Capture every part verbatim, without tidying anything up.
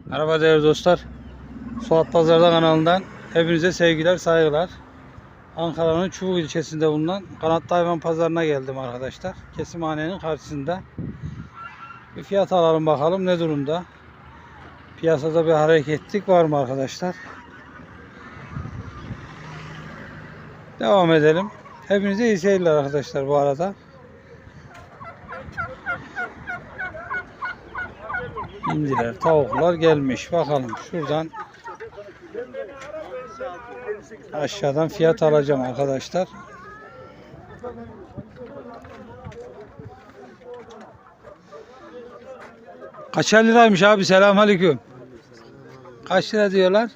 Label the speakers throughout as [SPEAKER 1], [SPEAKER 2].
[SPEAKER 1] Merhaba değerli dostlar. Suat Pazar'da kanalından hepinize sevgiler, saygılar. Ankara'nın Çubuk ilçesinde bulunan Kanatlı Hayvan Pazarı'na geldim arkadaşlar. Kesimhanenin karşısında. Bir fiyat alalım bakalım ne durumda. Piyasada bir hareketlik var mı arkadaşlar? Devam edelim. Hepinize iyi seyirler arkadaşlar bu arada. İndiler, tavuklar gelmiş. Bakalım şuradan aşağıdan fiyat alacağım arkadaşlar. Kaçar liraymış abi? Selamünaleyküm. Kaç lira diyorlar?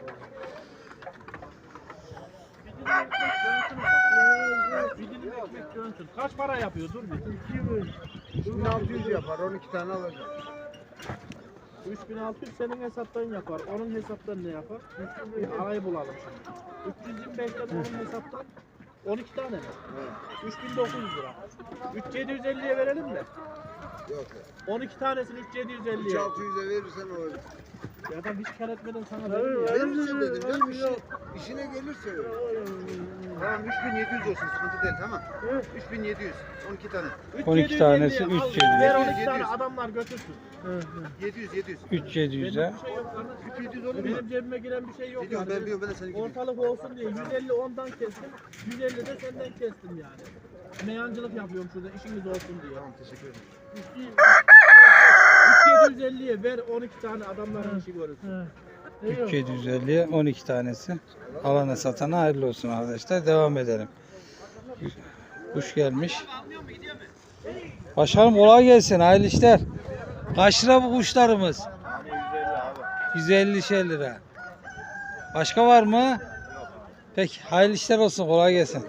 [SPEAKER 2] Kaç para yapıyor? Dur bir.
[SPEAKER 3] üç bin altı yüz yapar. on iki tane alacağım.
[SPEAKER 2] üç bin altı yüz senin hesaptan yapar. Onun hesaptan ne yapar? Bir arayı bulalım şimdi. üç yüz yirmi beşten onun hesaptan on iki tane mi?
[SPEAKER 3] Evet.
[SPEAKER 2] üç bin dokuz yüz lira. üç bin yedi yüz elliye verelim mi?
[SPEAKER 3] Yok.
[SPEAKER 2] on iki tanesini üç bin yedi yüz
[SPEAKER 3] üç
[SPEAKER 2] elliye.
[SPEAKER 3] bin altı yüze verirsen olur.
[SPEAKER 2] Ya da hiç kar etmeden sana verir ya.
[SPEAKER 3] Verirsin dedim. Ben işine, işine gelirse öyle. Tamam üç bin yedi yüz olsun. Sıkıntı değil tamam. üç bin yedi yüz. on iki tane.
[SPEAKER 1] on iki tanesi üç bin yedi yüz.
[SPEAKER 2] Ver on iki
[SPEAKER 3] yedi
[SPEAKER 2] tane
[SPEAKER 3] yüz.
[SPEAKER 2] adamlar götürsün.
[SPEAKER 3] yedi yüz yedi yüz.
[SPEAKER 1] üç bin yedi yüze.
[SPEAKER 2] Benim bir şey yok kardeş.
[SPEAKER 3] üç bin yedi yüz olur mu?
[SPEAKER 2] Benim cebime giren bir şey yok.
[SPEAKER 3] Biliyorum
[SPEAKER 2] yani.
[SPEAKER 3] ben biliyorum ben de seni gidiyorum.
[SPEAKER 2] Ortalık olsun diye yüz elli ondan kestim. yüz elli de senden kestim yani. Meyancılık yapıyorum şurada işiniz olsun diye.
[SPEAKER 3] Tamam teşekkür ederim.
[SPEAKER 2] üç bin yedi yüz elliye ver on iki tane adamların işi görürsün.
[SPEAKER 1] üç bin yedi yüz elliye on iki tanesi. Alana satana hayırlı olsun arkadaşlar. Devam edelim. Kuş gelmiş. Başkanım kolay gelsin. Hayırlı işler. Kaç lira bu kuşlarımız? yüz elli şey lira. Başka var mı? Peki hayırlı işler olsun. Kolay gelsin.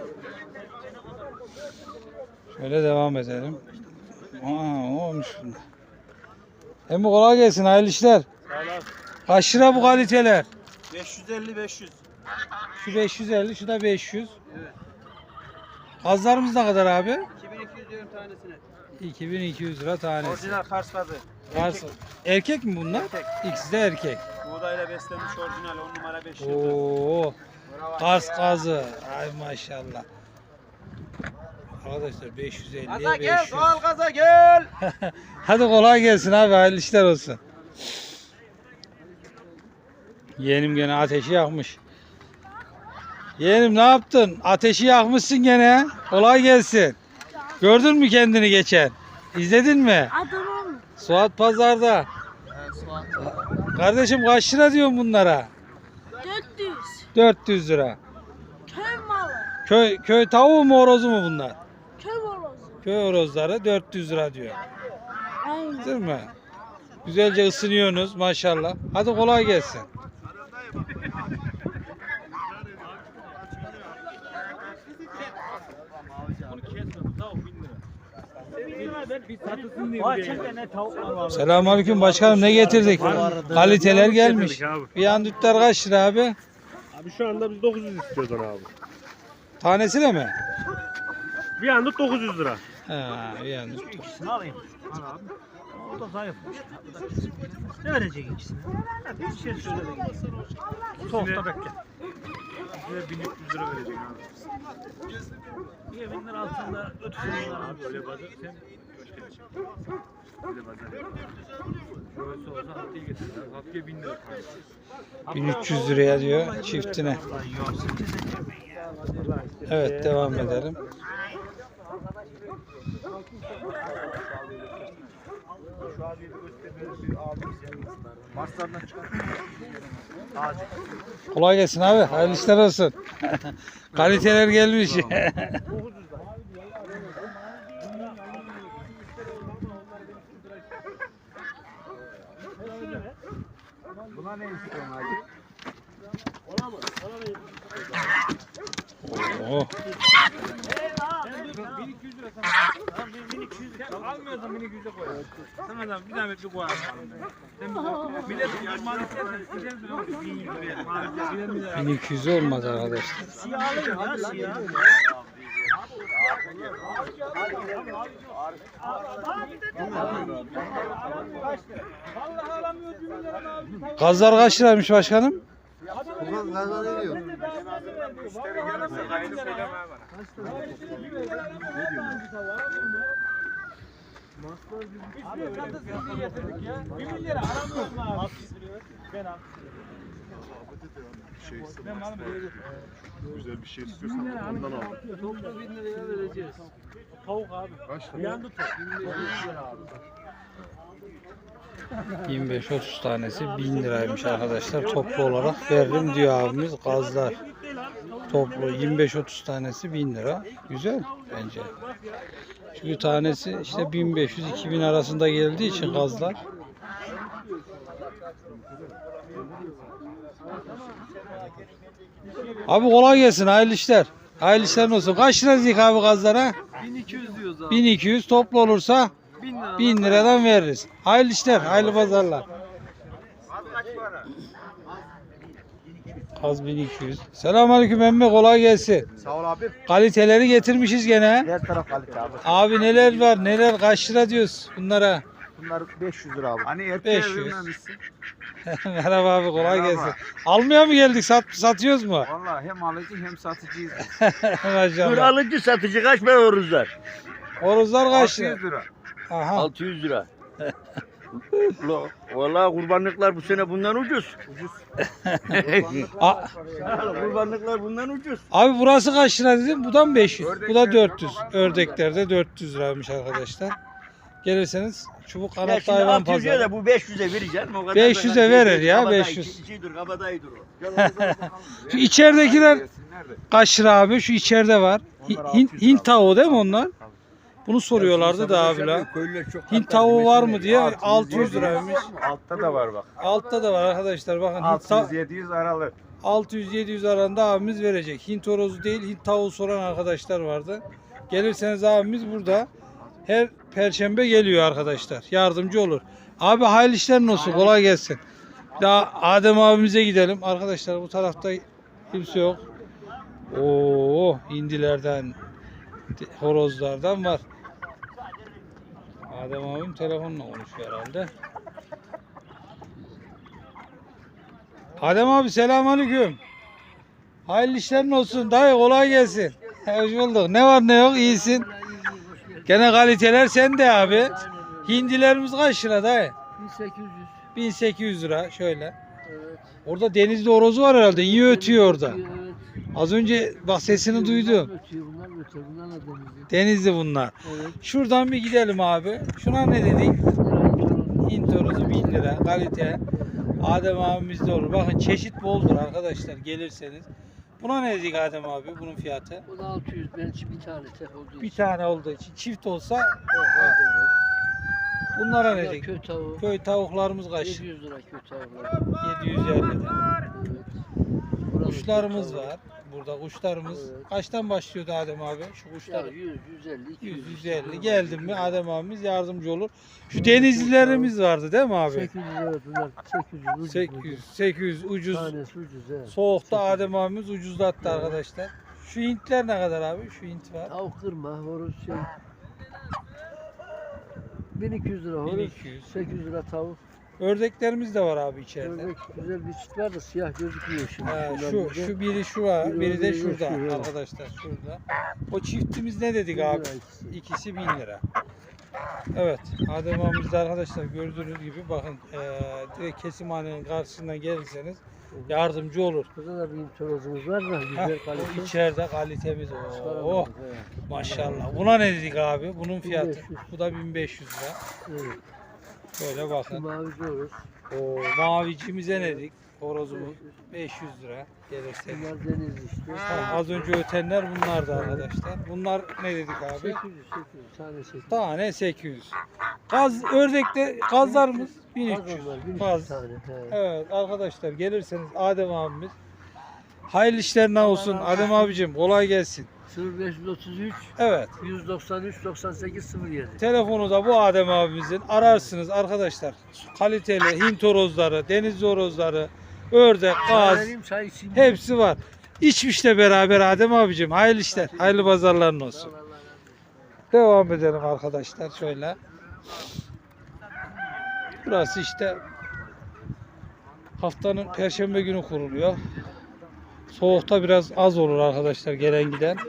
[SPEAKER 1] Şöyle devam edelim. Aa, olmuş bunda. Hem kolay gelsin. Hayırlı işler. Kaç lira bu kaliteler?
[SPEAKER 2] beş yüz elli beş yüz.
[SPEAKER 1] Şu beş yüz elli, şu da beş yüz. Evet. Kazlarımız ne kadar abi?
[SPEAKER 2] iki bin iki yüz diyorum tanesine.
[SPEAKER 1] iki bin iki yüz lira tanesi.
[SPEAKER 2] Orijinal Kars kazı.
[SPEAKER 1] Kars. Erkek mi bunlar?
[SPEAKER 2] Erkek.
[SPEAKER 1] İkisi de erkek.
[SPEAKER 2] Buğdayla beslenmiş orijinal on numara beş yıldız.
[SPEAKER 1] Oo. Kars kazı. Ay maşallah. Arkadaşlar beş yüz elliye
[SPEAKER 2] Gaza
[SPEAKER 1] beş yüz.
[SPEAKER 2] gel, doğal gaza gel.
[SPEAKER 1] Hadi kolay gelsin abi. Hayırlı işler olsun. Yeğenim gene ateşi yakmış. Yeğenim ne yaptın? Ateşi yakmışsın gene. Kolay gelsin. Gördün mü kendini geçen? İzledin mi?
[SPEAKER 4] Adamım.
[SPEAKER 1] Suat Pazar'da. Kardeşim kaç lira diyorsun bunlara?
[SPEAKER 4] dört yüz.
[SPEAKER 1] dört yüz lira.
[SPEAKER 4] Köy malı.
[SPEAKER 1] Köy köy tavuğu mu horozu mu bunlar?
[SPEAKER 4] Köy horozu.
[SPEAKER 1] Köy horozları dört yüz lira diyor.
[SPEAKER 4] Aynen.
[SPEAKER 1] Değil mi? Güzelce ısınıyorsunuz maşallah. Hadi kolay gelsin. Selamünaleyküm başkanım, ne getirdik? Kaliteler gelmiş. Bir andütler kaç lira abi?
[SPEAKER 5] Abi şu anda biz dokuz yüz istiyoruz onu abi.
[SPEAKER 1] Tanesi de mi?
[SPEAKER 5] Bir anda dokuz yüz lira.
[SPEAKER 1] Ha, bir andüt.
[SPEAKER 6] İkisini alayım. Al abi. O da zayıfmış. Ne verecek ikisini? Bir şey söyle de gitsin. Soğukta bekle.
[SPEAKER 5] Size bin üç yüz lira verecek abi.
[SPEAKER 6] Bir bin lira altında ötüsünü abi.
[SPEAKER 5] Öyle bazı sen öyle bazı. Şöyle olsa haftaya getirirler. Haftaya bin lira.
[SPEAKER 1] bin üç yüz liraya diyor çiftine. Evet, devam edelim. Kolay gelsin abi. Hayırlı işler olsun. Kaliteler gelmiş.
[SPEAKER 3] Buna ne istiyorsun abi?
[SPEAKER 1] Oo.
[SPEAKER 5] bin iki yüz lira sana. Tamam bin iki yüz lira. Almıyorsan bin iki yüze koy. Sana da bir zahmet bir koy. Sen bir millet bir mal istersen istersen bin yüz lira.
[SPEAKER 1] bin iki yüz olmadı arkadaşlar.
[SPEAKER 6] Siyah alayım ya siyah.
[SPEAKER 2] Vallahi alamıyor bin lira.
[SPEAKER 1] Gazlar kaç liraymış başkanım?
[SPEAKER 3] Buradan kazan ediyor.
[SPEAKER 5] Müşteri gelirse kaydı söylemeye bana. Bir milyar aramıyorum abi. Ben al. Ben malım
[SPEAKER 7] Güzel bir şey istiyorsan ondan al.
[SPEAKER 2] Toplu bin liraya vereceğiz.
[SPEAKER 5] tavuk abi.
[SPEAKER 7] Kaç lira?
[SPEAKER 5] Yandı tavuk.
[SPEAKER 1] yirmi beş otuz tanesi bin liraymış arkadaşlar. Toplu olarak veririm diyor abimiz. Gazlar toplu yirmi beş otuz tanesi bin lira. Güzel bence. Çünkü tanesi işte bin beş yüz iki bin arasında geldiği için gazlar. Abi kolay gelsin. Hayırlı işler. Hayırlı işler olsun. Kaç lira dedik abi gazlara?
[SPEAKER 2] bin iki yüz diyoruz abi.
[SPEAKER 1] bin iki yüz toplu olursa
[SPEAKER 2] bin lira.
[SPEAKER 1] bin liradan veririz. Hayırlı işler, hayırlı pazarlar. Kaz bin iki yüz. Selamünaleyküm emmi, kolay gelsin.
[SPEAKER 3] Sağ ol abi.
[SPEAKER 1] Kaliteleri getirmişiz gene.
[SPEAKER 3] Her taraf kalite abi.
[SPEAKER 1] Abi neler var, neler kaç lira diyoruz bunlara?
[SPEAKER 3] Bunlar beş yüz lira abi. Hani
[SPEAKER 1] erkeğe beş yüz. vermemişsin. Merhaba abi, kolay gelsin. Almaya mı geldik, sat, satıyoruz mu?
[SPEAKER 3] Vallahi hem alıcı hem satıcıyız.
[SPEAKER 8] Dur
[SPEAKER 1] Maşallah.
[SPEAKER 8] alıcı satıcı kaç para horuzlar?
[SPEAKER 1] Horozlar kaç lira?
[SPEAKER 3] lira.
[SPEAKER 1] Aha.
[SPEAKER 8] altı yüz lira. Lo, vallahi kurbanlıklar bu sene bundan ucuz.
[SPEAKER 1] A-
[SPEAKER 8] Kurbanlıklar bundan ucuz.
[SPEAKER 1] Abi burası kaç lira dedim? Bu da mı beş yüz? Bu da dört yüz. Ördeklerde dört yüz liraymış arkadaşlar. Gelirseniz çubuk
[SPEAKER 8] Ya
[SPEAKER 1] kanatlı
[SPEAKER 8] şimdi
[SPEAKER 1] hayvan
[SPEAKER 8] altı yüze
[SPEAKER 1] pazarı.
[SPEAKER 8] de bu beş yüze vereceksin. O kadar
[SPEAKER 1] beş yüze
[SPEAKER 8] da-
[SPEAKER 1] verir ya,
[SPEAKER 8] kabadayı,
[SPEAKER 1] beş yüz.
[SPEAKER 8] İkidir kabadayıdır o.
[SPEAKER 1] Şu içeridekiler kaç lira abi? Şu içeride var. Hi- Hint, Hint tavuğu değil mi onlar? Bunu soruyorlardı da abiler. Hint tavuğu var mı diye altı yüz liraymış.
[SPEAKER 7] Altta da var bak.
[SPEAKER 1] Altta da var arkadaşlar. Bakın Hint
[SPEAKER 7] altı
[SPEAKER 1] ta-
[SPEAKER 7] yüz yedi yüz aralı.
[SPEAKER 1] altı yüz yedi yüz arasında abimiz verecek. Hint horozu değil, Hint tavuğu soran arkadaşlar vardı. Gelirseniz abimiz burada. Her perşembe geliyor arkadaşlar. Yardımcı olur. Abi hayırlı işlerin olsun. Kolay gelsin. Bir daha Adem abimize gidelim. Arkadaşlar bu tarafta kimse yok. Oo, hindilerden, horozlardan var. Adem abim telefonla konuşuyor herhalde. Adem abi selamünaleyküm. Hayırlı işlerin olsun. Dayı kolay gelsin. Hoş bulduk. Ne var ne yok iyisin. Gene kaliteler sende abi. Hindilerimiz kaç lira dayı?
[SPEAKER 2] bin sekiz yüz.
[SPEAKER 1] bin sekiz yüz lira şöyle. Orada denizli horozu var herhalde. İyi ötüyor orada.
[SPEAKER 2] Evet.
[SPEAKER 1] Az önce bak sesini duydum.
[SPEAKER 2] Ötüyor bunlar ötüyor. Bunlar da denizli.
[SPEAKER 1] Denizli bunlar.
[SPEAKER 2] Evet.
[SPEAKER 1] Şuradan bir gidelim abi. Şuna ne dedik? Hint horozu bin lira kalite. Adem abimizde olur. Bakın çeşit boldur arkadaşlar gelirseniz. Buna ne dedik Adem abi bunun fiyatı?
[SPEAKER 2] Bu da altı yüz. Ben bir tane tek olduğu
[SPEAKER 1] Bir
[SPEAKER 2] için.
[SPEAKER 1] tane olduğu için çift olsa
[SPEAKER 2] Evet.
[SPEAKER 1] bunlara ne
[SPEAKER 2] Bu da
[SPEAKER 1] dedik?
[SPEAKER 2] köy tavuğu.
[SPEAKER 1] Köy tavuklarımız kaç?
[SPEAKER 2] yedi yüz lira köy tavukları.
[SPEAKER 1] yedi yüz elli lira.
[SPEAKER 2] Evet. Burada
[SPEAKER 1] Kuşlarımız
[SPEAKER 2] köy tavuğu.
[SPEAKER 1] var. Burada kuşlarımız.
[SPEAKER 2] Evet.
[SPEAKER 1] Kaçtan başlıyordu Adem abi? Şu
[SPEAKER 2] Ya
[SPEAKER 1] kuşlar
[SPEAKER 2] yüz, yüz elli, iki yüz.
[SPEAKER 1] yüz yüz elli. Geldim mi Adem abimiz yardımcı olur. Şu denizlilerimiz vardı değil mi abi?
[SPEAKER 2] sekiz yüz evet bunlar sekiz yüz ucuz.
[SPEAKER 1] sekiz yüz, sekiz yüz ucuz.
[SPEAKER 2] Tanesi ucuz evet.
[SPEAKER 1] Soğukta Adem abimiz ucuzlattı arkadaşlar. Şu Hintler ne kadar abi? Şu Hint var.
[SPEAKER 2] Tavuk kırma, horoz şey. bin iki yüz lira
[SPEAKER 1] bin
[SPEAKER 2] horoz,
[SPEAKER 1] iki yüz.
[SPEAKER 2] sekiz yüz lira tavuk.
[SPEAKER 1] Ördeklerimiz de var abi içeride.
[SPEAKER 2] Ördek güzel bir çift var da siyah gözükmüyor şimdi.
[SPEAKER 1] Ha,
[SPEAKER 2] Bunlar
[SPEAKER 1] şu
[SPEAKER 2] bizde.
[SPEAKER 1] şu biri şu var,
[SPEAKER 2] Biri
[SPEAKER 1] biri de
[SPEAKER 2] orada,
[SPEAKER 1] şurada
[SPEAKER 2] şu, evet.
[SPEAKER 1] arkadaşlar şurada. O çiftimiz ne dedik
[SPEAKER 2] bin
[SPEAKER 1] abi?
[SPEAKER 2] lira ikisi.
[SPEAKER 1] İkisi bin lira. Evet, Adem abimizde arkadaşlar gördüğünüz gibi bakın eee direkt kesimhanenin karşısından gelirseniz yardımcı olur.
[SPEAKER 2] Burada da bir torozumuz var da
[SPEAKER 1] Heh,
[SPEAKER 2] güzel
[SPEAKER 1] o
[SPEAKER 2] kalite.
[SPEAKER 1] içeride kalitemiz o. Oh,
[SPEAKER 2] Evet.
[SPEAKER 1] maşallah. Buna ne dedik abi? Bunun fiyatı.
[SPEAKER 2] bin beş yüz.
[SPEAKER 1] Bu da bin beş yüz lira.
[SPEAKER 2] Evet.
[SPEAKER 1] Şöyle
[SPEAKER 2] Şu
[SPEAKER 1] bakın.
[SPEAKER 2] mavi horoz.
[SPEAKER 1] O mavicimize ne dedik? Horozumuz beş yüz lira gelirse.
[SPEAKER 2] Bunlar denizli işte.
[SPEAKER 1] Ha, az önce ötenler bunlardı arkadaşlar. Bunlar ne dedik abi?
[SPEAKER 2] sekiz yüz, sekiz yüz tane sekiz yüz.
[SPEAKER 1] Tane sekiz yüz. Gaz ördekte gazlarımız bin üç yüz.
[SPEAKER 2] Gaz var, bin üç yüz
[SPEAKER 1] Gaz.
[SPEAKER 2] tane. He.
[SPEAKER 1] Evet arkadaşlar gelirseniz Adem abimiz hayırlı işlerine olsun. Adem abicim kolay gelsin.
[SPEAKER 2] sıfır beş yüz otuz üç,
[SPEAKER 1] Evet.
[SPEAKER 2] yüz doksan üç, doksan sekiz, sıfır yedi.
[SPEAKER 1] Telefonu da bu Adem abimizin. Ararsınız arkadaşlar. Kaliteli Hint horozları, deniz horozları, ördek, gaz
[SPEAKER 2] Vereyim, çay içeyim.
[SPEAKER 1] hepsi var. İçmişle beraber Adem abicim. Hayırlı işler. Hayırlı pazarların olsun. Devam edelim arkadaşlar şöyle. Burası işte Haftanın perşembe günü kuruluyor. Soğukta biraz az olur arkadaşlar gelen giden.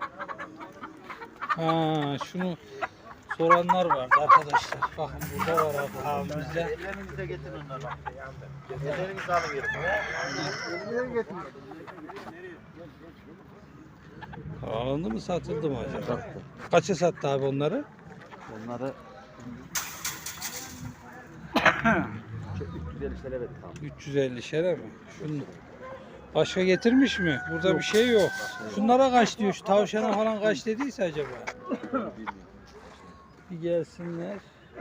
[SPEAKER 1] Ha, şunu soranlar vardı arkadaşlar. Bakın burada var abi, abimizde.
[SPEAKER 8] Ellerinize getirin onları. Ellerinizi alıverin.
[SPEAKER 1] Alındı mı satıldı mı acaba? Kaça sattı abi onları?
[SPEAKER 8] Onları üç yüz elli lira verdik abi.
[SPEAKER 1] üç yüz elli şere mi? Şunu. Başka getirmiş mi? Burada bir şey yok. Şunlara kaç diyor? Şu tavşana falan kaç dediyse acaba? Bir gelsinler.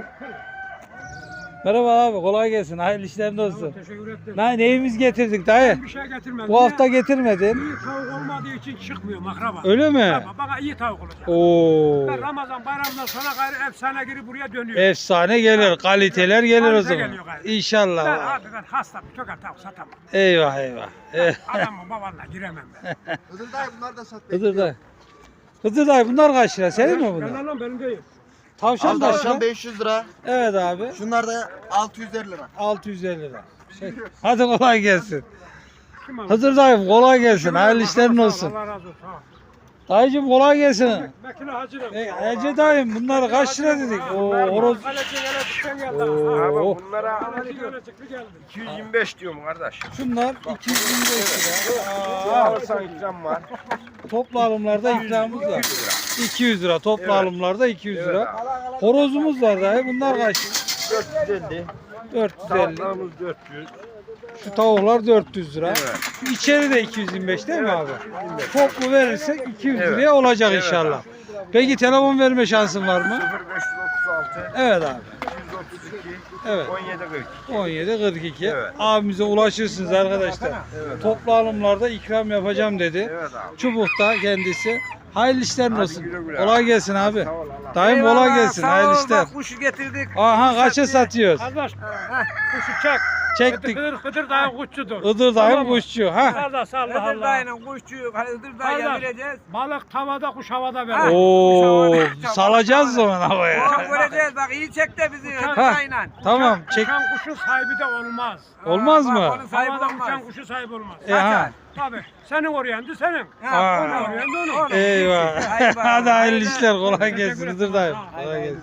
[SPEAKER 1] Merhaba abi, kolay gelsin. Hayırlı işlerin olsun.
[SPEAKER 5] Teşekkür ederim.
[SPEAKER 1] Ne, neyimiz getirdik dayı?
[SPEAKER 5] Bir şey getirmedim.
[SPEAKER 1] Bu hafta getirmedin.
[SPEAKER 5] İyi tavuk olmadığı için çıkmıyor makraba.
[SPEAKER 1] Öyle mi?
[SPEAKER 5] Ama bana iyi tavuk olacak.
[SPEAKER 1] Oo.
[SPEAKER 5] Ben Ramazan bayramından sonra gayrı efsane gibi buraya dönüyor.
[SPEAKER 1] Efsane gelir, kaliteler gelir o
[SPEAKER 5] Kalite
[SPEAKER 1] zaman.
[SPEAKER 5] geliyor gayet.
[SPEAKER 1] İnşallah.
[SPEAKER 5] Ben hakikaten hasta bir tokar tavuk satamam.
[SPEAKER 1] Eyvah eyvah. Eh,
[SPEAKER 5] Adamın babanla giremem ben.
[SPEAKER 3] Hızır dayı bunlar da sat.
[SPEAKER 1] Hıdır dayı. Hıdır dayı bunlar kaç lira? Senin mi bunlar?
[SPEAKER 5] Ben lan benim değil.
[SPEAKER 1] Tavşan da
[SPEAKER 3] Tavşan beş yüz lira.
[SPEAKER 1] Evet abi.
[SPEAKER 3] Şunlar da altı yüz elli lira.
[SPEAKER 1] altı yüz elli lira. Şey, hadi kolay gelsin.
[SPEAKER 5] Kim alır?
[SPEAKER 1] Hızır dayım kolay gelsin. Hayırlı işlerin olsun.
[SPEAKER 5] Allah razı olsun. Ha.
[SPEAKER 1] Dayıcım kolay gelsin.
[SPEAKER 5] Vekili hacırım.
[SPEAKER 1] E, Ece dayım bunları kaç lira dedik? Oo, horoz.
[SPEAKER 5] Kaleci yöne çıkan geldi.
[SPEAKER 1] Oo,
[SPEAKER 7] Bunlara
[SPEAKER 5] Kaleci yöne çıktı geldi.
[SPEAKER 7] iki yüz yirmi beş diyorum kardeş.
[SPEAKER 1] şunlar iki yüz yirmi beş lira.
[SPEAKER 7] Ne
[SPEAKER 1] Aa,
[SPEAKER 7] alırsan ikram var.
[SPEAKER 1] toplu alımlarda ikramımız var. iki yüz lira. Toplu
[SPEAKER 7] Evet.
[SPEAKER 1] alımlarda iki yüz
[SPEAKER 7] Evet
[SPEAKER 1] lira. Horozumuz var dayı. Bunlar kaç?
[SPEAKER 7] dört yüz elli.
[SPEAKER 1] dört yüz elli.
[SPEAKER 7] Tavuklarımız dört yüz.
[SPEAKER 1] Şu tavuklar dört yüz lira.
[SPEAKER 7] Evet.
[SPEAKER 1] Şu içeri de iki yüz yirmi beş değil mi
[SPEAKER 7] Evet,
[SPEAKER 1] abi?
[SPEAKER 7] yirmi beş.
[SPEAKER 1] Toplu verirsek iki yüz
[SPEAKER 7] Evet.
[SPEAKER 1] liraya olacak
[SPEAKER 7] Evet
[SPEAKER 1] inşallah. Peki telefon verme şansın var mı?
[SPEAKER 7] sıfır beş yüz otuz altı.
[SPEAKER 1] Evet abi.
[SPEAKER 7] iki yüz otuz iki.
[SPEAKER 1] Evet.
[SPEAKER 7] on yedi kırk.
[SPEAKER 1] on yedi kırk iki.
[SPEAKER 7] Evet.
[SPEAKER 1] Abimize ulaşırsınız arkadaşlar.
[SPEAKER 7] Evet.
[SPEAKER 1] Toplu alımlarda ikram yapacağım dedi.
[SPEAKER 7] Evet abi.
[SPEAKER 1] Çubuk'ta kendisi. Hayırlı işlerin
[SPEAKER 7] Hadi
[SPEAKER 1] olsun.
[SPEAKER 7] güle güle.
[SPEAKER 1] Kolay gelsin abi.
[SPEAKER 7] Sağ ol Allah.
[SPEAKER 1] Dayım kolay gelsin. Hayırlı işler.
[SPEAKER 8] Kuşu getirdik.
[SPEAKER 1] Aha kaça satıyoruz?
[SPEAKER 5] Kardeş kuşu çek.
[SPEAKER 1] Çektik.
[SPEAKER 5] Hıdır hıdır dayı kuşçudur.
[SPEAKER 1] Iğdır dayım kuşçu. Ha.
[SPEAKER 5] Kardeş Allah
[SPEAKER 8] Hıdır
[SPEAKER 5] Allah.
[SPEAKER 8] dayının kuşçuyu, Hıdır dayıya
[SPEAKER 5] Kardeş,
[SPEAKER 8] vereceğiz.
[SPEAKER 5] balık tavada kuş havada verir.
[SPEAKER 1] Oo, salacağız o zaman havaya.
[SPEAKER 8] O göreceğiz bak iyi çek de bizi Hıdır
[SPEAKER 1] Ha.
[SPEAKER 8] dayıyla.
[SPEAKER 1] Tamam çek.
[SPEAKER 5] Uçan kuşun sahibi de olmaz.
[SPEAKER 1] Olmaz
[SPEAKER 8] Bak,
[SPEAKER 1] mı?
[SPEAKER 8] onun sahibi
[SPEAKER 5] Havada
[SPEAKER 8] olmaz.
[SPEAKER 5] uçan kuşun sahibi olmaz.
[SPEAKER 1] E, ha.
[SPEAKER 5] Tabii. Senin oryandı senin.
[SPEAKER 8] Ha,
[SPEAKER 1] Aa.
[SPEAKER 8] onu,
[SPEAKER 5] Onu, onu.
[SPEAKER 1] Eyvah.
[SPEAKER 8] Hayır, bak.
[SPEAKER 1] Hadi hayırlı işler. Kolay gelsin.
[SPEAKER 5] Teşekkür
[SPEAKER 1] Hıdır dayım.
[SPEAKER 5] ederim.
[SPEAKER 1] Kolay gelsin.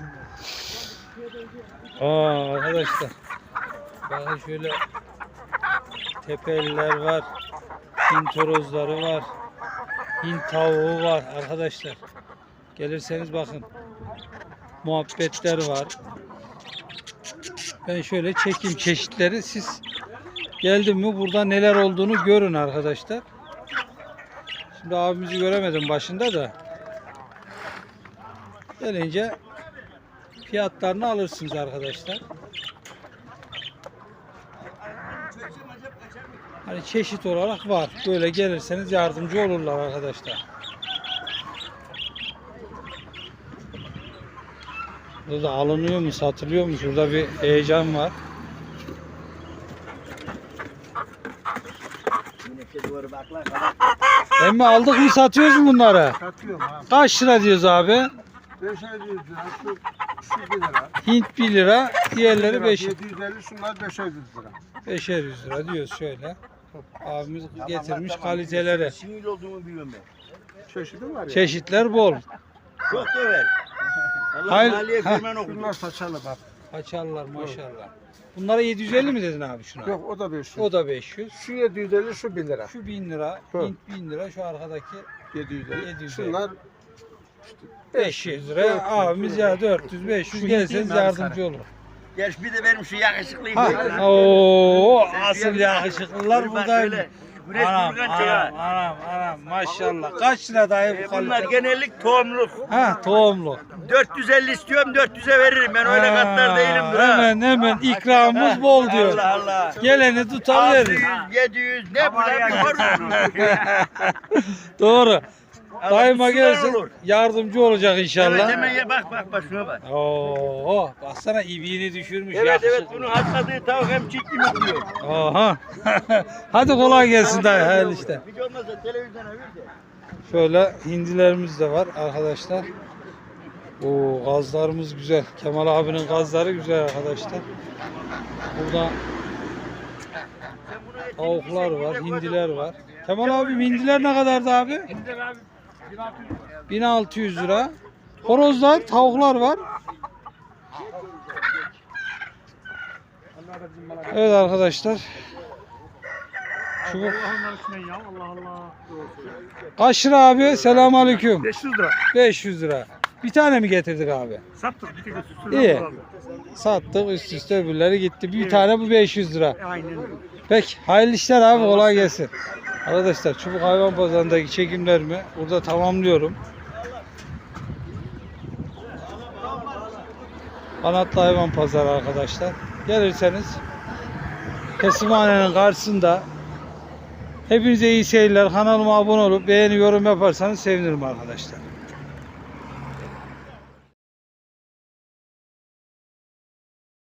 [SPEAKER 1] Aa arkadaşlar. Bakın şöyle tepeliler var. Hint horozları var. Hint tavuğu var arkadaşlar. Gelirseniz bakın. Muhabbetler var. Ben şöyle çekeyim çeşitleri. Siz geldim mi burada neler olduğunu görün arkadaşlar. Şimdi abimizi göremedim başında da. Gelince fiyatlarını alırsınız arkadaşlar. Hani çeşit olarak var. Böyle gelirseniz yardımcı olurlar arkadaşlar. Burada alınıyor mu, satılıyor mu? Şurada bir heyecan var. Emmi aldık mı satıyoruz mu bunları?
[SPEAKER 6] Satıyorum abi.
[SPEAKER 1] Kaç lira diyoruz abi?
[SPEAKER 6] beş yüz lira, şu, şu bir lira.
[SPEAKER 1] Hint bir lira, diğerleri beş
[SPEAKER 6] yedi yüz elli, şunlar beş yüz lira.
[SPEAKER 1] beşer yüz lira diyoruz şöyle. Abimiz getirmiş kaliteleri.
[SPEAKER 8] Sinir olduğumu biliyorum ben.
[SPEAKER 6] Çeşidi var ya.
[SPEAKER 1] Çeşitler bol.
[SPEAKER 8] Çok döver. Allah
[SPEAKER 1] Hayır,
[SPEAKER 8] maliye
[SPEAKER 1] ha.
[SPEAKER 8] firman okudu.
[SPEAKER 6] Bunlar saçalı bak.
[SPEAKER 1] Açarlar maşallah. Bunlara yedi yüz elli mi dedin abi şuna?
[SPEAKER 6] Yok o da beş yüz.
[SPEAKER 1] O da beş yüz.
[SPEAKER 6] Şu yedi yüz elli, şu bir lira.
[SPEAKER 1] Şu bin lira,
[SPEAKER 6] Hı.
[SPEAKER 1] Hint bin lira, şu arkadaki
[SPEAKER 6] yedi yüz elli.
[SPEAKER 1] yedi yüz elli.
[SPEAKER 6] Şunlar
[SPEAKER 1] beş yüz lira. Abimiz ya dört yüz beş yüz gelseniz yardımcı olur.
[SPEAKER 8] Gel bir de benim şu yakışıklıyım.
[SPEAKER 1] Ha. Oo, asıl yakışıklılar
[SPEAKER 8] Bak
[SPEAKER 1] buradayım.
[SPEAKER 8] şöyle, Güneş
[SPEAKER 1] Anam,
[SPEAKER 8] vurgan
[SPEAKER 1] anam,
[SPEAKER 8] çıkar.
[SPEAKER 1] anam, anam, maşallah. Kaç lira dayı
[SPEAKER 8] E,
[SPEAKER 1] bu
[SPEAKER 8] bunlar
[SPEAKER 1] kalite?
[SPEAKER 8] genellik tohumluk.
[SPEAKER 1] Ha, tohumlu.
[SPEAKER 8] dört yüz elli istiyorum, dört yüze veririm. Ben öyle katlar değilim.
[SPEAKER 1] Ha, Hemen hemen ikramımız bol diyor.
[SPEAKER 8] Allah Allah.
[SPEAKER 1] Geleni tutar
[SPEAKER 8] altı
[SPEAKER 1] verir.
[SPEAKER 8] yüz, yedi yüz ne bu lan? Var mı?
[SPEAKER 1] Doğru. Daima
[SPEAKER 8] Allah
[SPEAKER 1] gelsin
[SPEAKER 8] olur.
[SPEAKER 1] yardımcı olacak
[SPEAKER 8] Evet
[SPEAKER 1] inşallah.
[SPEAKER 8] hemen ya bak bak bak şuna bak.
[SPEAKER 1] Oo, baksana ibiğini düşürmüş.
[SPEAKER 8] Evet evet
[SPEAKER 1] yakışıklı.
[SPEAKER 8] bunu atladığı tavuk hem çiftli mutluyor.
[SPEAKER 1] Aha. Hadi kolay gelsin dayı. Hayırlı işte.
[SPEAKER 8] Hiç olmazsa televizyona ver de.
[SPEAKER 1] Şöyle hindilerimiz de var arkadaşlar. Oo, gazlarımız güzel. Kemal abinin gazları güzel arkadaşlar. Burada Tavuklar var, hindiler var. Kemal abi hindiler ne kadardı abi?
[SPEAKER 5] Hindiler abi
[SPEAKER 1] bin altı yüz lira. Horozlar, tavuklar var. Evet arkadaşlar. Çubuk.
[SPEAKER 6] Allah'ın üstüne ya Allah Allah.
[SPEAKER 1] Kaç lira abi? Selamünaleyküm.
[SPEAKER 6] beş yüz lira.
[SPEAKER 1] beş yüz lira. Bir tane mi getirdik abi?
[SPEAKER 6] Sattık bir tek üstüne.
[SPEAKER 1] İyi. Sattık üst üste öbürleri gitti. Bir tane bu beş yüz lira.
[SPEAKER 6] Aynen öyle.
[SPEAKER 1] Peki hayırlı işler abi, kolay gelsin. Arkadaşlar Çubuk Hayvan Pazarı'ndaki çekimlerimi burada tamamlıyorum. Kanatlı Hayvan Pazarı arkadaşlar. Gelirseniz Kesimhane'nin karşısında. Hepinize iyi seyirler. Kanalıma abone olup beğeni yorum yaparsanız sevinirim arkadaşlar.